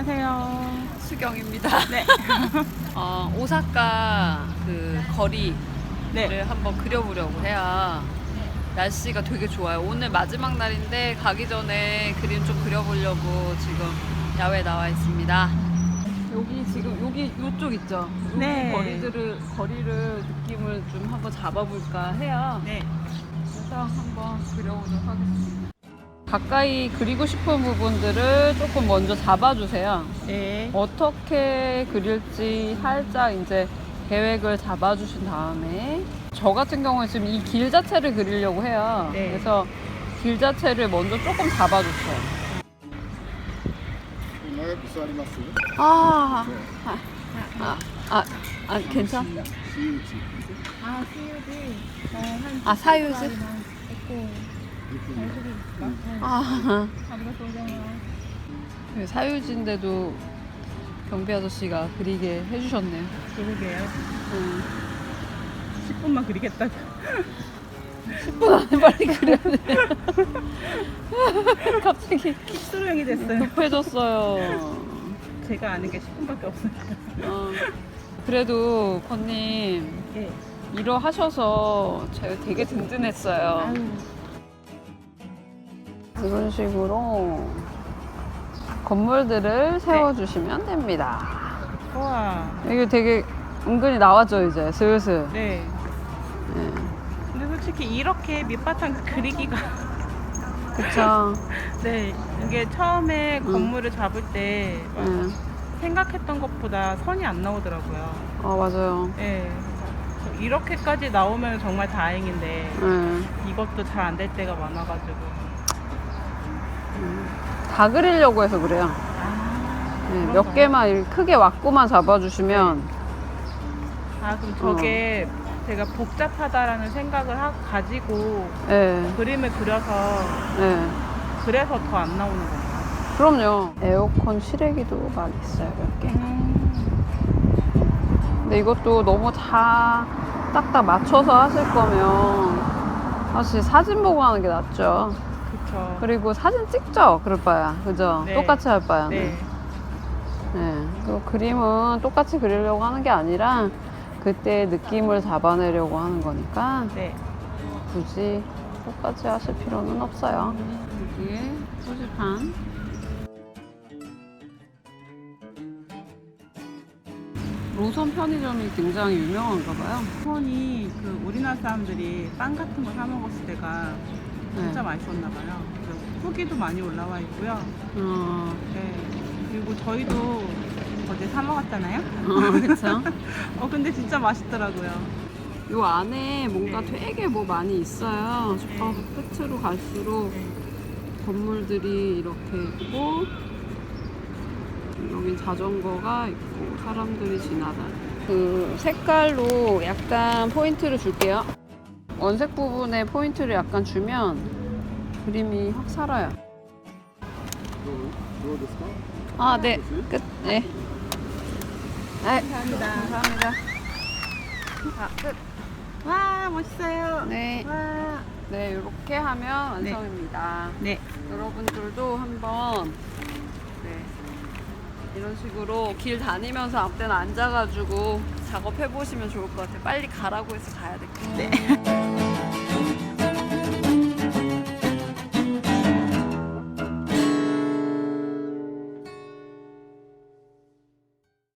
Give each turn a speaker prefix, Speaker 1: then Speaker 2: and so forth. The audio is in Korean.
Speaker 1: 안녕하세요.
Speaker 2: 수경입니다.
Speaker 1: 네.
Speaker 2: 오사카 그 거리를
Speaker 1: 네.
Speaker 2: 한번 그려보려고 해요. 날씨가 되게 좋아요. 오늘 마지막 날인데 가기 전에 그림 좀 그려보려고 지금 야외에 나와 있습니다. 여기 이쪽 있죠? 여기
Speaker 1: 네.
Speaker 2: 거리를 느낌을 좀 한번 잡아볼까 해요.
Speaker 1: 네.
Speaker 2: 그래서 한번 그려보도록 하겠습니다. 가까이 그리고 싶은 부분들을 조금 먼저 잡아주세요.
Speaker 1: 네.
Speaker 2: 어떻게 그릴지 살짝 이제 계획을 잡아주신 다음에 저 같은 경우는 지금 이 길 자체를 그리려고 해요.
Speaker 1: 네.
Speaker 2: 그래서 길 자체를 먼저 조금 잡아줬어요.
Speaker 3: 長く座ります
Speaker 2: 괜찮아?
Speaker 3: 私有地
Speaker 2: 사유지? 사유지인데도 경비 아저씨가 그리게 해주셨네요.
Speaker 1: 그러게요.
Speaker 2: 10분
Speaker 1: 10분만 그리겠다고.
Speaker 2: 안에 빨리 그려야 돼. 갑자기
Speaker 1: 킥스로형이 됐어요.
Speaker 2: 급해졌어요.
Speaker 1: 제가 아는 게 10분밖에 없으니까.
Speaker 2: 그래도 건님
Speaker 1: 네.
Speaker 2: 일어 하셔서 제가 되게 든든했어요. 이런 식으로 건물들을 세워주시면 됩니다.
Speaker 1: 우와.
Speaker 2: 이게 되게 은근히 나왔죠, 이제 슬슬.
Speaker 1: 네.
Speaker 2: 네.
Speaker 1: 근데 솔직히 이렇게 밑바탕 그리기가
Speaker 2: 그쵸.
Speaker 1: 네. 이게 처음에 건물을 잡을 때
Speaker 2: 네.
Speaker 1: 생각했던 것보다 선이 안 나오더라고요.
Speaker 2: 맞아요.
Speaker 1: 네. 그래서 이렇게까지 나오면 정말 다행인데
Speaker 2: 네.
Speaker 1: 이것도 잘 안 될 때가 많아가지고.
Speaker 2: 다 그리려고 해서 그래요. 네, 몇
Speaker 1: 그런가요?
Speaker 2: 개만 이렇게 크게 왁구만 잡아주시면.
Speaker 1: 그럼 저게 제가 복잡하다라는 생각을 가지고
Speaker 2: 네.
Speaker 1: 그림을 그려서
Speaker 2: 네.
Speaker 1: 그래서 더 안 나오는 건가요?
Speaker 2: 그럼요. 에어컨 실외기도 많이 있어요, 몇 개. 근데 이것도 너무 다 딱딱 맞춰서 하실 거면 사실 사진 보고 하는 게 낫죠.
Speaker 1: 그쵸.
Speaker 2: 그리고 사진 찍죠, 그럴 바야. 그죠?
Speaker 1: 네.
Speaker 2: 똑같이 할 바야.
Speaker 1: 네.
Speaker 2: 네. 또 그림은 똑같이 그리려고 하는 게 아니라 그때 느낌을 잡아내려고 하는 거니까
Speaker 1: 네.
Speaker 2: 굳이 똑같이 하실 필요는 없어요. 여기에 표지판. 로선 편의점이 굉장히 유명한가 봐요.
Speaker 1: 손이 그 우리나라 사람들이 빵 같은 거 사 먹었을 때가 진짜
Speaker 2: 네.
Speaker 1: 맛있었나 봐요. 그래서 후기도 많이 올라와 있고요. 네. 그리고 저희도 어제 사 먹었잖아요.
Speaker 2: 그쵸?
Speaker 1: 근데 진짜 맛있더라고요.
Speaker 2: 요 안에 뭔가
Speaker 1: 네.
Speaker 2: 되게 뭐 많이 있어요. 저 끝으로 갈수록
Speaker 1: 네.
Speaker 2: 건물들이 이렇게 있고, 여긴 자전거가 있고, 사람들이 지나다니. 그 색깔로 약간 포인트를 줄게요. 원색 부분에 포인트를 약간 주면 그림이 확 살아요.
Speaker 3: どうですか
Speaker 2: 네. 끝. 네. 네.
Speaker 1: 감사합니다.
Speaker 2: 감사합니다. 끝.
Speaker 1: 와, 멋있어요.
Speaker 2: 네.
Speaker 1: 와.
Speaker 2: 네, 이렇게 하면 완성입니다.
Speaker 1: 네.
Speaker 2: 여러분들도 한번 이런 식으로 길 다니면서 아무 때나 앉아가지고 작업해 보시면 좋을 것 같아요. 빨리 가라고 해서 가야 될 것 같아요.
Speaker 1: 네.